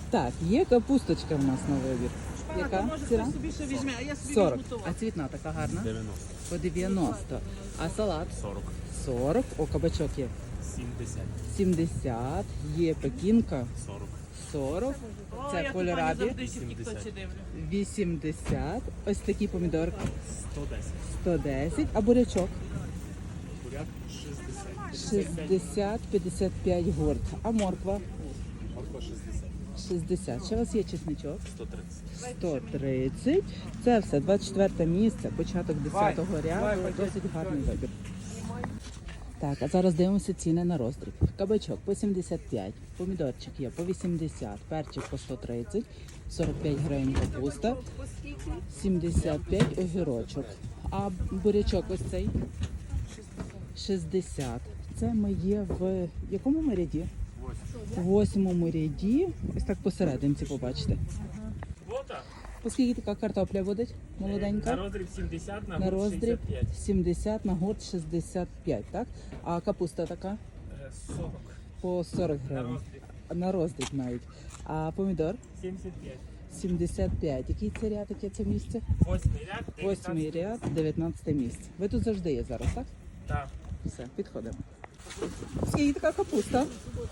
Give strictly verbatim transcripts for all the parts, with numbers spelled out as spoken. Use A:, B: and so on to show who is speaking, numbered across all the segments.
A: Так, є капусточка в нас на вибір. Яка
B: Може,
A: ціна?
B: хтось собі ще візьме, а я собі
A: сорок.
B: візьму
A: А
B: товар.
A: цвітна така гарна?
C: дев'яносто.
A: По дев'яносто. А салат?
C: сорок.
A: сорок. О, кабачок є.
C: сімдесят.
A: сімдесят. Є пекінка.
C: сорок.
A: сорок.
B: О,
A: Це
B: я
A: кольорабі.
B: тут завжди ще в тіктоці дивлю.
A: вісімдесят. Ось такі помідорки.
C: сто десять.
A: сто десять. А бурячок?
C: Буряк шістдесят.
A: шістдесят, п'ятдесят п'ять горд. А морква?
C: Морква шістдесят.
A: шістдесят. Ще у вас є чесничок?
C: сто тридцять.
A: сто тридцять. Це все, двадцять четверте місце, початок десятого ряду, досить гарний вибір. Так, а зараз дивимося ціни на роздріб. Кабачок по сімдесят п'ять, помідорчик є по вісімдесят, перчик по сто тридцять, сорок п'ять гривень капуста, сімдесят п'ять огірочок. А бурячок ось цей? шістдесят. Це ми є в якому ми ряді? В восьмому ряді. Ось так посерединці побачите. Оскільки така картопля буде молоденька?
C: На роздріб сімдесят, на,
A: На
C: гурт
A: роздріб
C: шістдесят п'ять.
A: сімдесят, на гурт шістдесят п'ять, так? А капуста така?
C: Е, сорок.
A: По сорок
C: На
A: гривень.
C: роздріб
A: На роздріб навіть. А помідор?
C: сімдесят п'ять.
A: сімдесят п'ять. Який це ряд, яке це місце?
C: Восьмий ряд.
A: Восьмий ряд, дев'ятнадцяте місце. Ви тут завжди є зараз, так?
C: Так.
A: Все, підходимо. Скільки така капуста?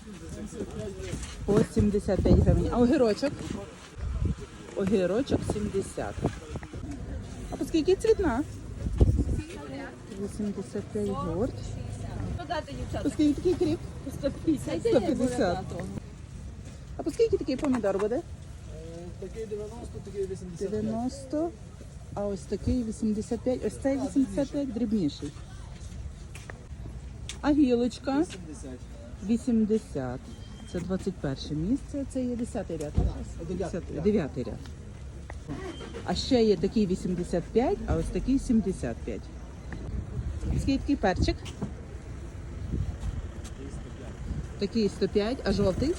A: По сімдесят п'ять гривень. А огірочок? Огірочок сімдесят. А по скільки цвітна? вісімдесят п'ять горд.
B: Подати, дівчата.
A: По скільки такий кріп?
B: сто п'ятдесят.
A: сто п'ятдесят. А по скільки такий помідор буде?
C: Такий дев'яносто, такий вісімдесят.
A: дев'яносто. А ось такий вісімдесят п'ять. Ось цей вісімдесят п'ять дрібніший. А гілочка? вісімдесят. Це двадцять перше місце, це є десятий ряд. дев'ятий ряд. А ще є такий вісімдесят п'ять, а ось такий сімдесят п'ять. Скільки такий перчик? Такий сто п'ять, а жовтий?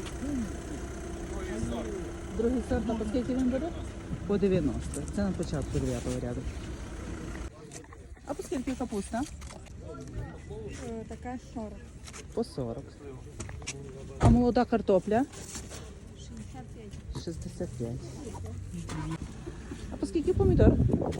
A: Другий сорт, а по скільки він буде? По дев'яносто. Це на початку дев'ятого ряду. А по скільки капуста?
D: Така сорок.
A: По сорок. А молода картопля?
D: шістдесят п'ять.
A: шістдесят п'ять. А по скільки помідор?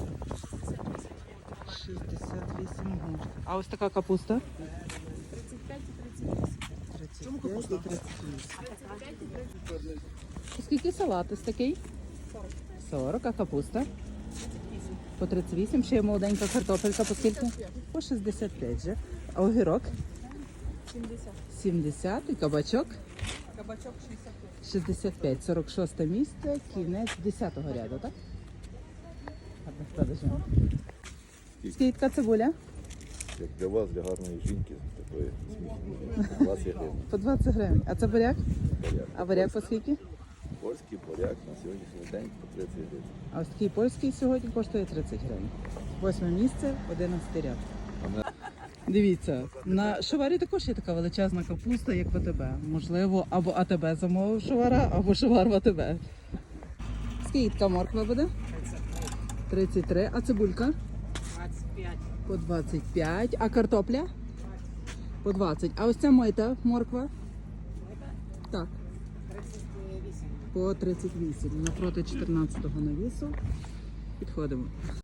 A: шістдесят вісім гривень. А ось така капуста?
D: тридцять п'ять і тридцять вісім.
A: тридцять п'ять і тридцять вісім. По скільки салат ось такий? сорок. А капуста? По тридцять вісім. Ще є молоденька картопелька. По скільки? По шістдесят п'ять же. А огірок?
D: сімдесят.
A: сімдесят. І кабачок?
B: Кабачок шістдесят п'ять.
A: шістдесят п'ять. сорок шосте місце. Кінець десятого ряду, так? Гарних продажів. Скільки така цибуля?
E: Як для вас, для гарної жінки, такої сміхної, двадцять гривень.
A: По двадцять гривень. А це буряк?
E: Буряк.
A: А буряк по скільки?
E: Польський буряк на сьогоднішній день по тридцять гривень.
A: А ось такий польський сьогодні коштує тридцять гривень. Восьме місце, одинадцятий ряд. Дивіться, на шоварі також є така величезна капуста, як в АТБ. Можливо, або АТБ замовив шовара, або шовар в АТБ. Скільки така морква буде? тридцять три. А цибулька?
B: двадцять п'ять.
A: По двадцять п'ять. А картопля? По двадцять. А ось ця мита морква? Так.
B: тридцять вісім.
A: По тридцять вісім. Напроти чотирнадцятого навісу. Підходимо.